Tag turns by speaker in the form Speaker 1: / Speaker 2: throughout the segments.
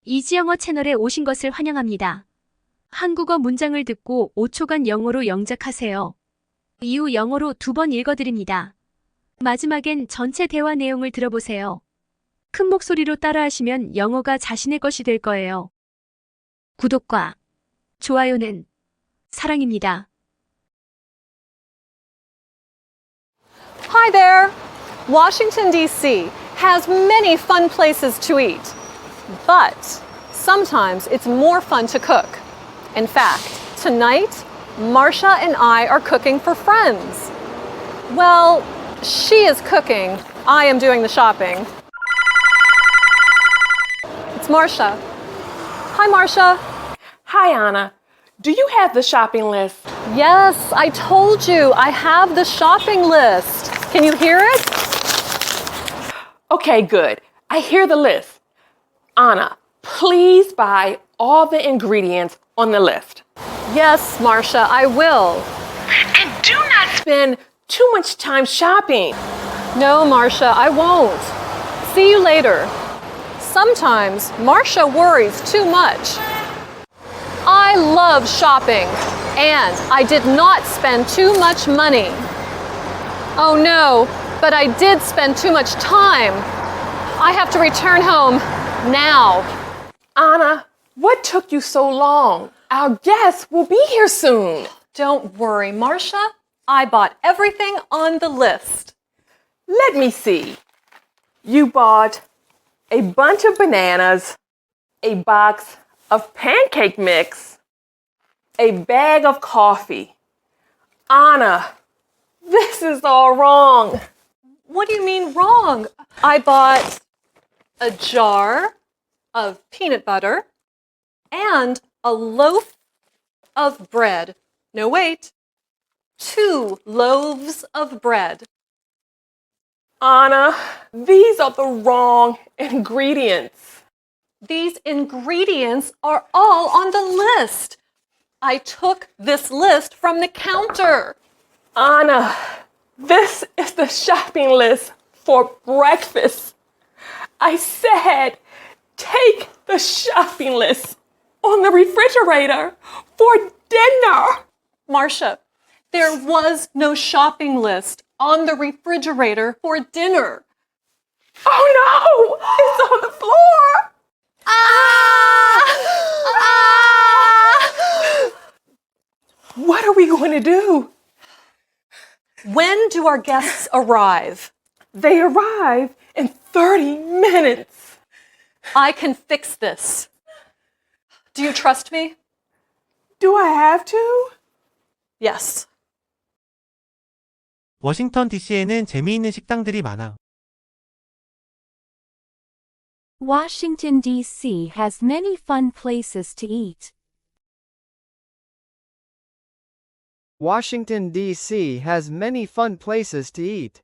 Speaker 1: 이지영어 채널에 오신 것을 환영합니다. 한국어 문장을 듣고 5초간 영어로 영작하세요. 이후 영어로 2번 읽어드립니다. 마지막엔 전체 대화 내용을 들어보세요. 큰 목소리로 따라하시면 영어가 자신의 것이 될 거예요. 구독과 좋아요는 사랑입니다.
Speaker 2: Hi there! Washington, D.C. has many fun places to eat, but sometimes it's more fun to cook. In fact, tonight, Marcia and I are cooking for friends. Well, she is cooking, I am doing the shopping. It's Marcia. Hi, Marcia.
Speaker 3: Hi, Anna. Do you have the shopping list?
Speaker 2: Yes, I told you, I have the shopping list. Can you hear it?
Speaker 3: Okay, good. I hear the list. Anna, please buy all the ingredients on the list.
Speaker 2: Yes, Marcia, I will.
Speaker 3: And do not spend too much time shopping.
Speaker 2: No, Marcia, I won't. See you later. Sometimes Marcia worries too much. I love shopping, and I did not spend too much money. Oh no, but I did spend too much time. I have to return home now.
Speaker 3: Anna, what took you so long? Our guests will be here soon.
Speaker 2: Don't worry, Marcia. I bought everything on the list.
Speaker 3: Let me see. You bought a bunch of bananas, a box of pancake mix, a bag of coffee. Anna, this is all wrong.
Speaker 2: What do you mean wrong? I bought a jar of peanut butter and a loaf of bread. No, wait. 2 loaves of bread.
Speaker 3: Anna, these are the wrong ingredients.
Speaker 2: These ingredients are all on the list. I took this list from the counter.
Speaker 3: Anna, this is the shopping list for breakfast. I said, take the shopping list on the refrigerator for dinner.
Speaker 2: Marcia, there was no shopping list on the refrigerator for dinner.
Speaker 3: Oh no, it's on the floor. What are we going to do?
Speaker 2: When do our guests arrive?
Speaker 3: They arrive in 30 minutes.
Speaker 2: I can fix this. Do you trust me?
Speaker 3: Do I have to?
Speaker 2: Yes.
Speaker 4: 워싱턴 DC에는 재미있는 식당들이 많아.
Speaker 5: Washington, D.C. has many fun places to eat.
Speaker 6: Washington, D.C. has many fun places to eat.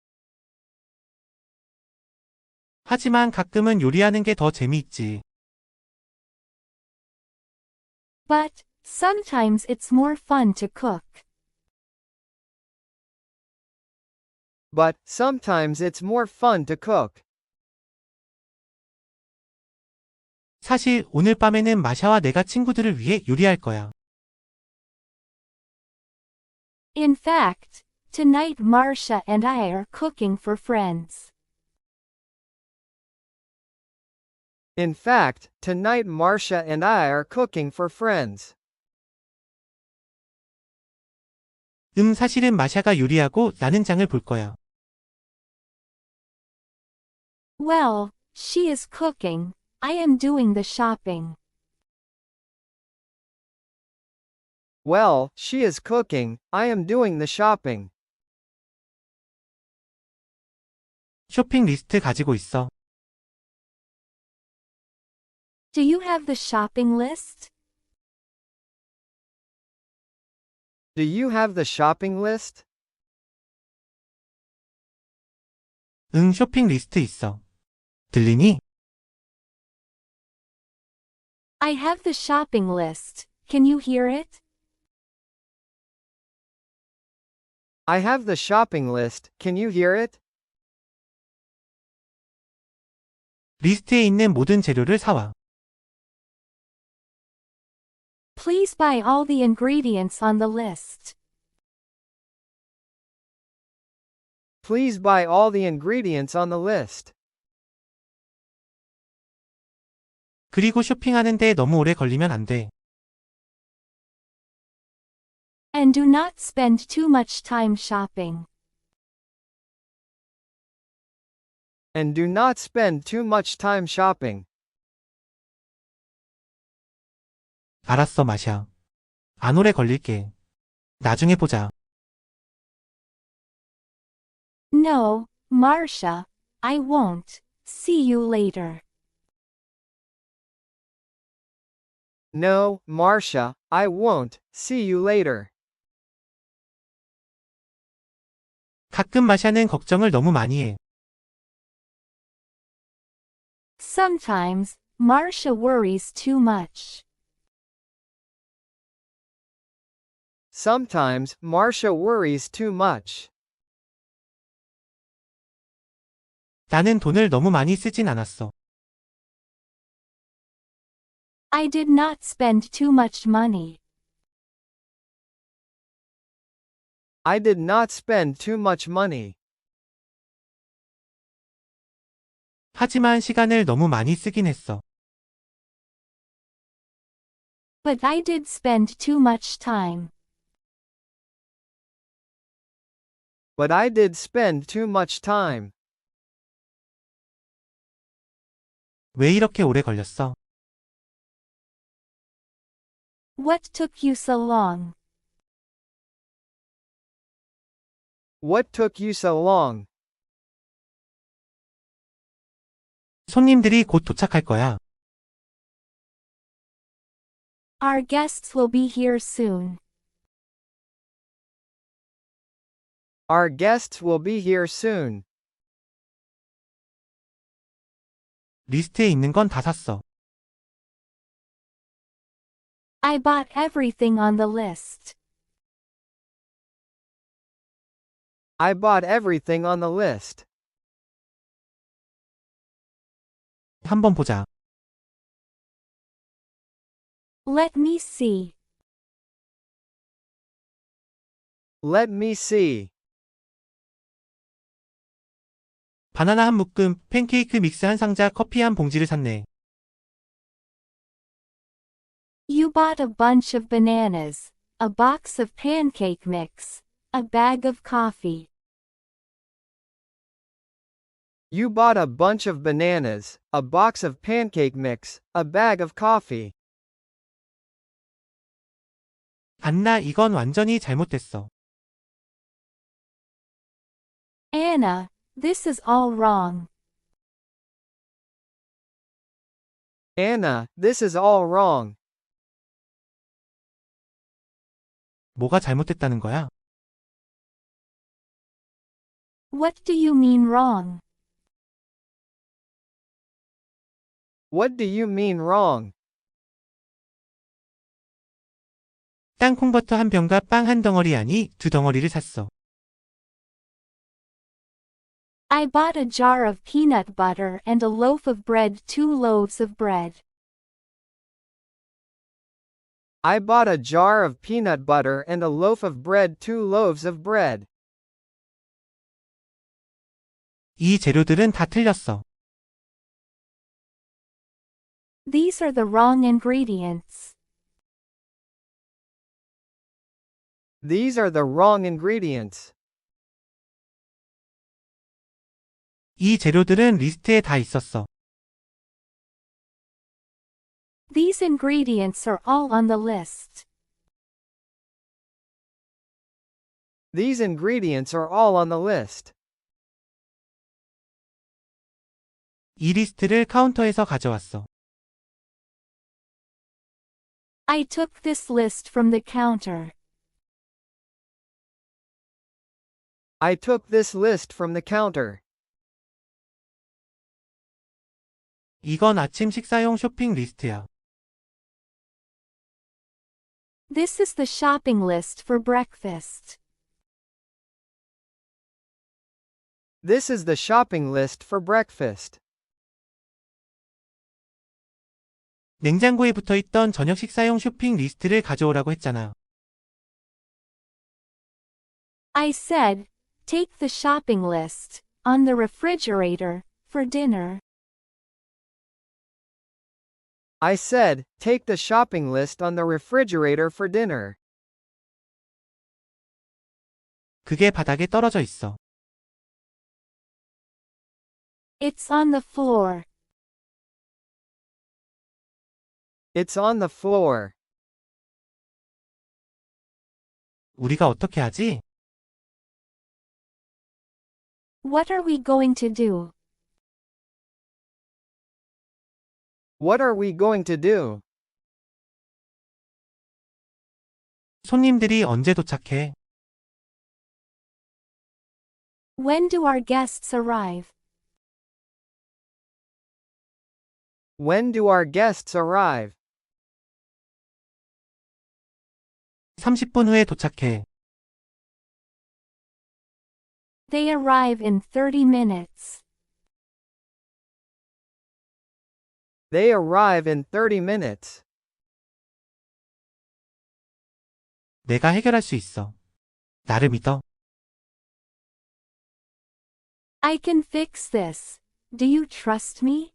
Speaker 4: 하지만 가끔은 요리하는 게 더 재미있지.
Speaker 5: But sometimes it's more fun to cook.
Speaker 6: But sometimes it's more fun to cook.
Speaker 4: 사실 오늘 밤에는 마샤와 내가 친구들을 위해 요리할 거야.
Speaker 5: In fact, tonight Marcia and I are cooking for friends.
Speaker 6: In fact, tonight Marcia and I are cooking for friends.
Speaker 4: 사실은 마샤가 요리하고 나는 장을 볼 거야.
Speaker 5: Well, she is cooking. I am doing the shopping.
Speaker 6: Well, she is cooking. I am doing the shopping.
Speaker 4: 쇼핑 리스트 가지고 있어.
Speaker 5: Do you have the shopping list?
Speaker 6: Do you have the shopping list?
Speaker 4: 쇼핑 리스트 있어. 들리니?
Speaker 5: I have the shopping list. Can you hear it?
Speaker 6: I have the shopping list. Can you hear it?
Speaker 4: 리스트에 있는 모든 재료를 사와.
Speaker 5: Please buy all the ingredients on the list.
Speaker 6: Please buy all the ingredients on the list.
Speaker 4: 그리고 쇼핑하는데 너무 오래 걸리면 안 돼.
Speaker 5: And do not spend too much time shopping.
Speaker 6: And do not spend too much time shopping.
Speaker 4: 알았어, 마샤. 안 오래 걸릴게. 나중에 보자.
Speaker 5: No, Marcia, I won't. See you later.
Speaker 6: No, Marcia, I won't. See you later.
Speaker 4: 가끔 마샤는 걱정을 너무 많이 해.
Speaker 5: Sometimes, Marcia worries too much.
Speaker 6: Sometimes, Marcia worries too much.
Speaker 4: 나는 돈을 너무 많이 쓰진 않았어.
Speaker 5: I did not spend too much money.
Speaker 6: I did not spend too much money.
Speaker 4: 하지만 시간을 너무 많이 쓰긴 했어.
Speaker 5: But I did spend too much time.
Speaker 6: But I did spend too much time.
Speaker 4: 왜 이렇게 오래 걸렸어?
Speaker 5: What took you so long?
Speaker 6: What took you so long?
Speaker 4: 손님들이 곧 도착할 거야.
Speaker 5: Our guests will be here soon.
Speaker 6: Our guests will be here soon.
Speaker 4: 리스트에 있는 건 다 샀어.
Speaker 5: I bought everything on the list.
Speaker 6: I bought everything on the list.
Speaker 4: 한번 보자.
Speaker 5: Let me see.
Speaker 6: Let me see.
Speaker 4: 바나나 한 묶음, 팬케이크 믹스 한 상자, 커피 한 봉지를 샀네.
Speaker 5: You bought a bunch of bananas, a box of pancake mix, a bag of coffee.
Speaker 6: You bought a bunch of bananas, a box of pancake mix, a bag of coffee.
Speaker 4: 안나, 이건 완전히 잘못됐어.
Speaker 5: Anna, this is all wrong.
Speaker 6: Anna, this is all wrong.
Speaker 4: 뭐가 잘못됐다는 거야?
Speaker 5: What do you mean wrong?
Speaker 6: What do you mean wrong?
Speaker 4: 땅콩버터 한 병과 빵 한 덩어리 아니 두 덩어리를 샀어.
Speaker 5: I bought a jar of peanut butter and a loaf of bread, 2 loaves of bread.
Speaker 6: I bought a jar of peanut butter and a loaf of bread, 2 loaves of bread.
Speaker 4: 이 재료들은 다 틀렸어.
Speaker 5: These are the wrong ingredients.
Speaker 6: These are the wrong ingredients.
Speaker 4: 이 재료들은 리스트에 다 있었어.
Speaker 5: These ingredients are all on the list.
Speaker 6: These ingredients are all on the list.
Speaker 4: 이 리스트를 카운터에서 가져왔어.
Speaker 5: I took this list from the counter.
Speaker 6: I took this list from the counter.
Speaker 4: 이건 아침 식사용 쇼핑 리스트야.
Speaker 5: This is the shopping list for breakfast.
Speaker 6: This is the shopping list for breakfast.
Speaker 4: 냉장고에 붙어 있던 저녁 식사용 쇼핑 리스트를 가져오라고 했잖아.
Speaker 5: I said, take the shopping list on the refrigerator for dinner.
Speaker 6: I said, take the shopping list on the refrigerator for dinner.
Speaker 4: 그게 바닥에 떨어져 있어.
Speaker 5: It's on the floor.
Speaker 6: It's on the floor.
Speaker 4: 우리가 어떻게 하지?
Speaker 5: What are we going to do?
Speaker 6: What are we going to do?
Speaker 4: 손님들이 언제 도착해?
Speaker 5: When do our guests arrive?
Speaker 6: When do our guests arrive?
Speaker 4: 30분 후에 도착해.
Speaker 5: They arrive in 30 minutes.
Speaker 6: They arrive in 30 minutes.
Speaker 4: 내가 해결할 수 있어. 나를 믿어.
Speaker 5: I can fix this. Do you trust me?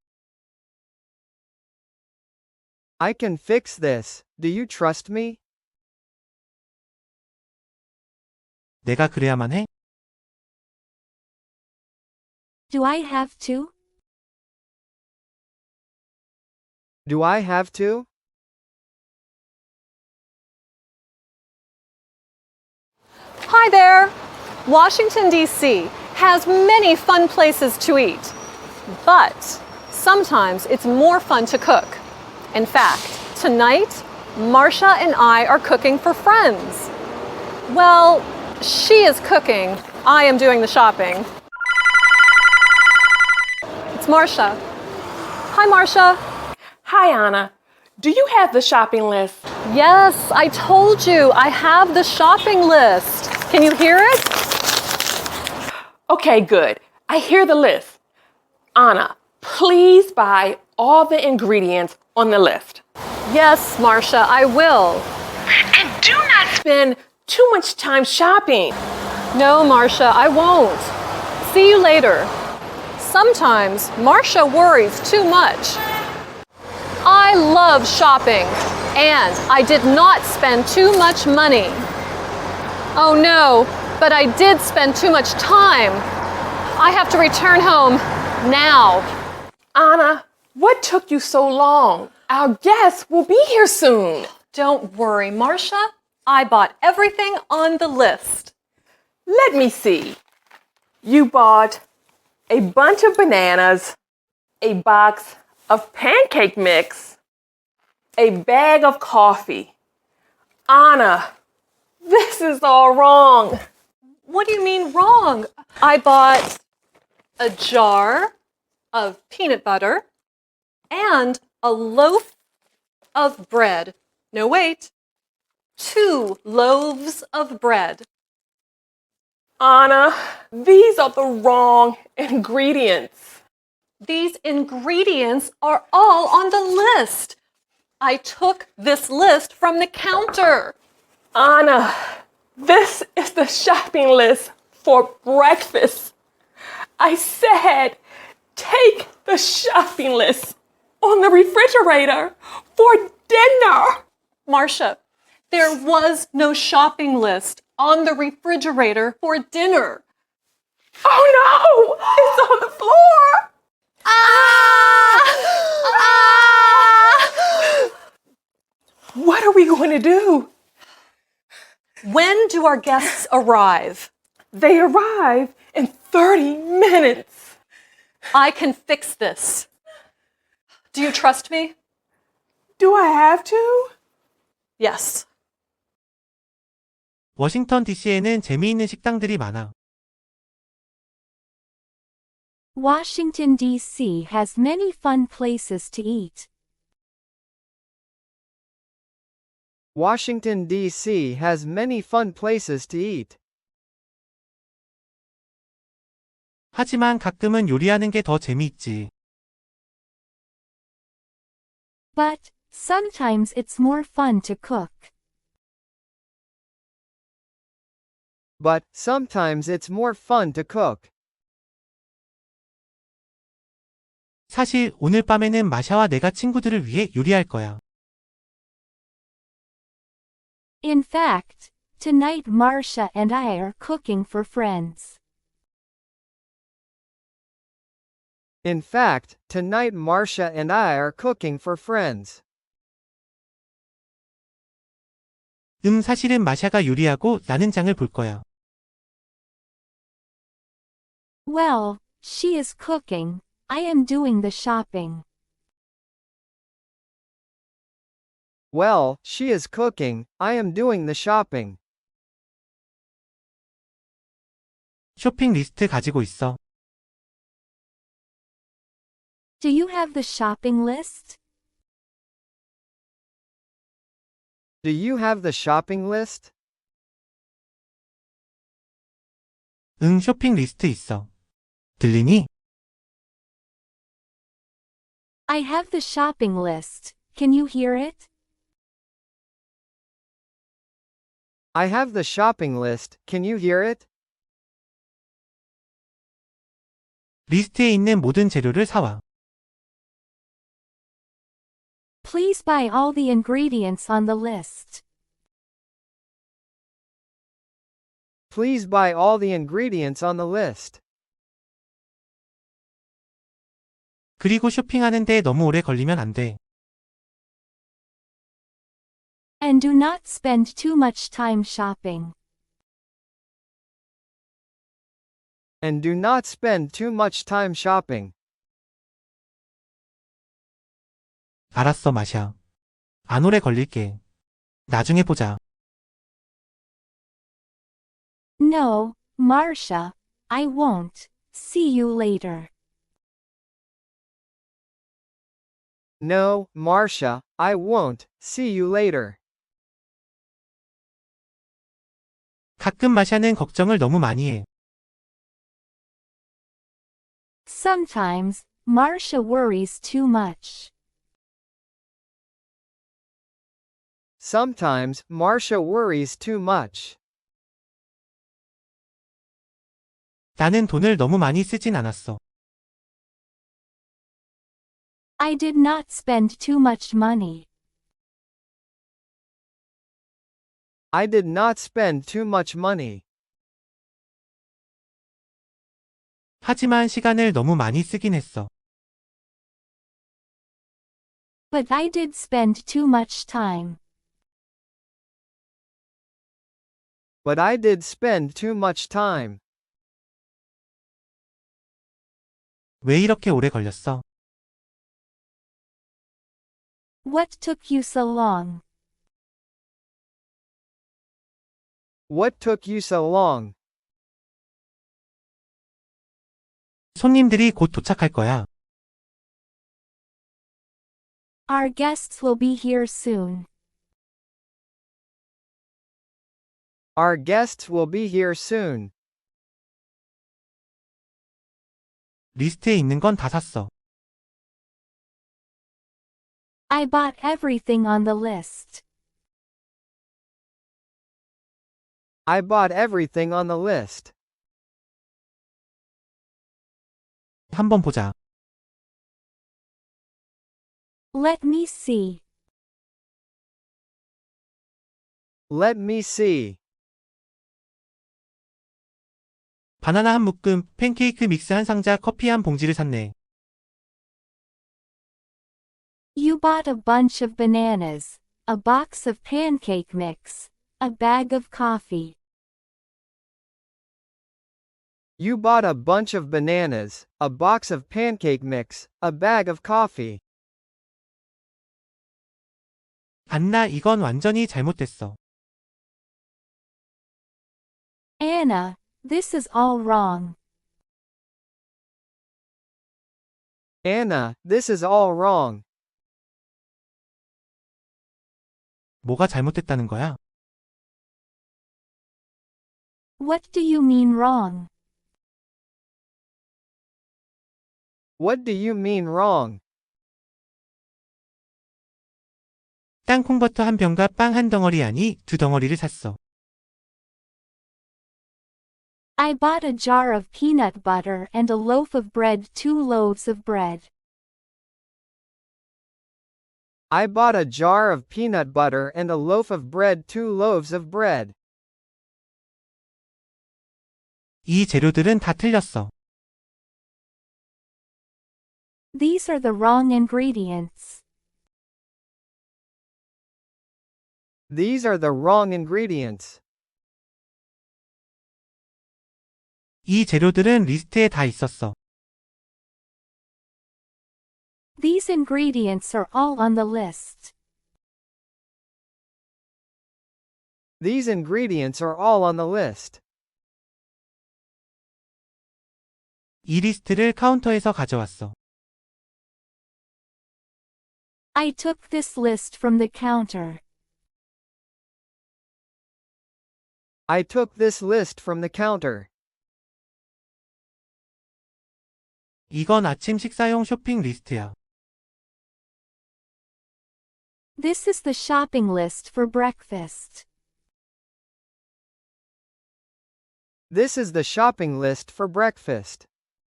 Speaker 6: I can fix this. Do you trust me?
Speaker 4: 내가 그래야만 해?
Speaker 5: Do I have to?
Speaker 6: Do I have to?
Speaker 2: Hi there! Washington, D.C. has many fun places to eat, but sometimes it's more fun to cook. In fact, tonight, Marcia and I are cooking for friends. Well, she is cooking, I am doing the shopping. It's Marcia. Hi, Marcia.
Speaker 3: Hi, Anna. Do you have the shopping list?
Speaker 2: Yes, I told you, I have the shopping list. Can you hear it?
Speaker 3: Okay, good. I hear the list. Anna, please buy all the ingredients on the list.
Speaker 2: Yes, Marcia, I will.
Speaker 3: And do not spend too much time shopping.
Speaker 2: No, Marcia, I won't. See you later. Sometimes Marcia worries too much. I love shopping, and I did not spend too much money. Oh no, but I did spend too much time. I have to return home now.
Speaker 3: Anna, what took you so long? Our guests will be here soon.
Speaker 2: Don't worry, Marcia. I bought everything on the list.
Speaker 3: Let me see. You bought a bunch of bananas, a box of pancake mix, a bag of coffee. Anna, this is all wrong.
Speaker 2: What do you mean wrong? I bought a jar of peanut butter and a loaf of bread. No, wait. 2 loaves of bread.
Speaker 3: Anna, these are the wrong ingredients.
Speaker 2: These ingredients are all on the list. I took this list from the counter.
Speaker 3: Anna, this is the shopping list for breakfast. I said, take the shopping list on the refrigerator for dinner.
Speaker 2: Marcia, there was no shopping list on the refrigerator for dinner.
Speaker 3: Oh no, it's on the floor. What are we going to do?
Speaker 2: When do our guests arrive?
Speaker 3: They arrive in 30 minutes.
Speaker 2: I can fix this. Do you trust me?
Speaker 3: Do I have to?
Speaker 2: Yes.
Speaker 4: 워싱턴 DC에는 재미있는 식당들이 많아.
Speaker 5: Washington, D.C. has many fun places to eat.
Speaker 6: Washington, D.C. has many fun places to eat.
Speaker 4: 하지만 가끔은 요리하는 게 더 재미있지.
Speaker 5: But, sometimes it's more fun to cook.
Speaker 6: But, sometimes it's more fun to cook.
Speaker 4: 사실 오늘 밤에는 마샤와 내가 친구들을 위해 요리할 거야.
Speaker 5: In fact, tonight Marcia and I are cooking for friends.
Speaker 6: In fact, tonight Marcia and I are cooking for friends.
Speaker 4: 사실은 마샤가 요리하고 나는 장을 볼 거야.
Speaker 5: Well, she is cooking, I am doing the shopping.
Speaker 6: Well, she is cooking, I am doing the shopping.
Speaker 4: 쇼핑 리스트 가지고 있어.
Speaker 5: Do you have the shopping list?
Speaker 6: Do you have the shopping list?
Speaker 4: 쇼핑 리스트 있어. 들리니?
Speaker 5: I have the shopping list, can you hear it?
Speaker 6: I have the shopping list, can you hear it?
Speaker 4: 리스트에 있는 모든 재료를 사와.
Speaker 5: Please buy all the ingredients on the list.
Speaker 6: Please buy all the ingredients on the list.
Speaker 4: 그리고 쇼핑하는 데 너무 오래 걸리면 안 돼.
Speaker 5: And do not spend too much time shopping.
Speaker 6: And do not spend too much time shopping.
Speaker 4: 알았어, 마샤. 안 오래 걸릴게. 나중에 보자.
Speaker 5: No, Marcia, I won't. See you later.
Speaker 6: No, Marcia, I won't. See you later.
Speaker 4: 가끔 마샤는 걱정을 너무 많이 해.
Speaker 5: Sometimes, Marcia worries too much.
Speaker 6: Sometimes, Marcia worries too much.
Speaker 4: 나는 돈을 너무 많이 쓰진 않았어.
Speaker 5: I did not spend too much money.
Speaker 6: I did not spend too much money.
Speaker 4: 하지만 시간을 너무 많이 쓰긴 했어.
Speaker 5: But I did spend too much time.
Speaker 6: But I did spend too much time.
Speaker 4: 왜 이렇게 오래 걸렸어?
Speaker 5: What took you so long?
Speaker 6: What took you so long?
Speaker 4: 손님들이 곧 도착할 거야.
Speaker 5: Our guests will be here soon.
Speaker 6: Our guests will be here soon.
Speaker 4: 리스트에 있는 건 다 샀어.
Speaker 5: I bought everything on the list.
Speaker 6: I bought everything on the list.
Speaker 4: 한번 보자.
Speaker 5: Let me see.
Speaker 6: Let me see.
Speaker 4: 바나나 한 묶음, 팬케이크 믹스 한 상자, 커피 한 봉지를 샀네.
Speaker 5: You bought a bunch of bananas, a box of pancake mix, a bag of coffee.
Speaker 6: You bought a bunch of bananas, a box of pancake mix, a bag of coffee.
Speaker 4: 안나, 이건 완전히 잘못됐어.
Speaker 5: Anna, this is all wrong.
Speaker 6: Anna, this is all wrong.
Speaker 4: 뭐가 잘못됐다는 거야?
Speaker 5: What do you mean wrong?
Speaker 6: What do you mean wrong?
Speaker 4: 땅콩버터 한 병과 빵 한 덩어리 아니 두 덩어리를 샀어.
Speaker 5: I bought a jar of peanut butter and a loaf of bread, 2 loaves of bread.
Speaker 6: I bought a jar of peanut butter and a loaf of bread, 2 loaves of bread.
Speaker 4: 이 재료들은 다 틀렸어.
Speaker 5: These are the wrong ingredients.
Speaker 6: These are the wrong ingredients.
Speaker 4: 이 재료들은 리스트에 다 있었어.
Speaker 5: These ingredients are all on the list.
Speaker 6: These ingredients are all on the list.
Speaker 4: 이 리스트를 카운터에서 가져왔어.
Speaker 5: I took this list from the counter.
Speaker 6: I took this list from the counter.
Speaker 4: 이건 아침 식사용 쇼핑 리스트야.
Speaker 5: This is the shopping list for breakfast.
Speaker 6: This is the shopping list for breakfast.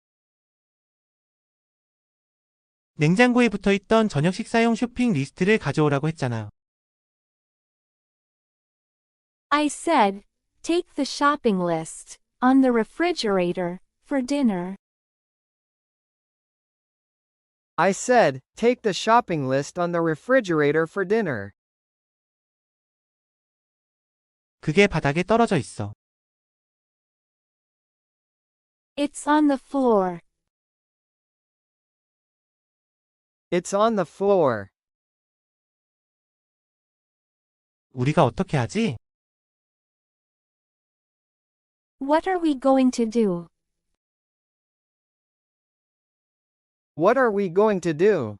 Speaker 4: 냉장고에 붙어있던 저녁 식사용 쇼핑 리스트를 가져오라고 했잖아.
Speaker 5: I said, take the shopping list on the refrigerator for dinner.
Speaker 6: I said, take the shopping list on the refrigerator for dinner.
Speaker 4: 그게 바닥에 떨어져 있어.
Speaker 5: It's on the floor.
Speaker 6: It's on the floor.
Speaker 4: 우리가 어떻게 하지?
Speaker 5: What are we going to do?
Speaker 6: What are we going to do?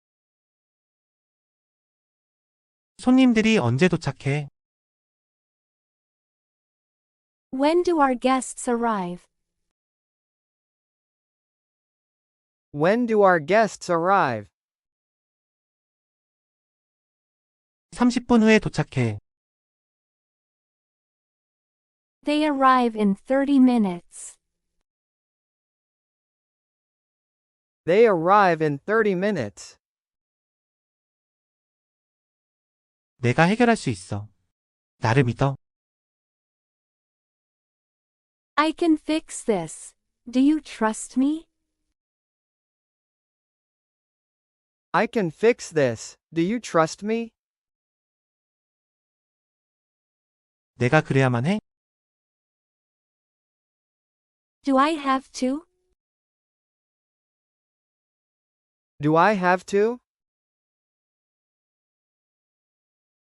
Speaker 4: 손님들이 언제 도착해?
Speaker 5: When do our guests arrive?
Speaker 6: When do our guests arrive?
Speaker 4: 30분 후에 도착해.
Speaker 5: They arrive in 30 minutes.
Speaker 6: They arrive in 30 minutes.
Speaker 4: 내가 해결할 수 있어. 나를 믿어.
Speaker 5: I can fix this. Do you trust me?
Speaker 6: I can fix this. Do you trust me?
Speaker 4: 내가 그래야만 해?
Speaker 5: Do I have to?
Speaker 6: Do I have to?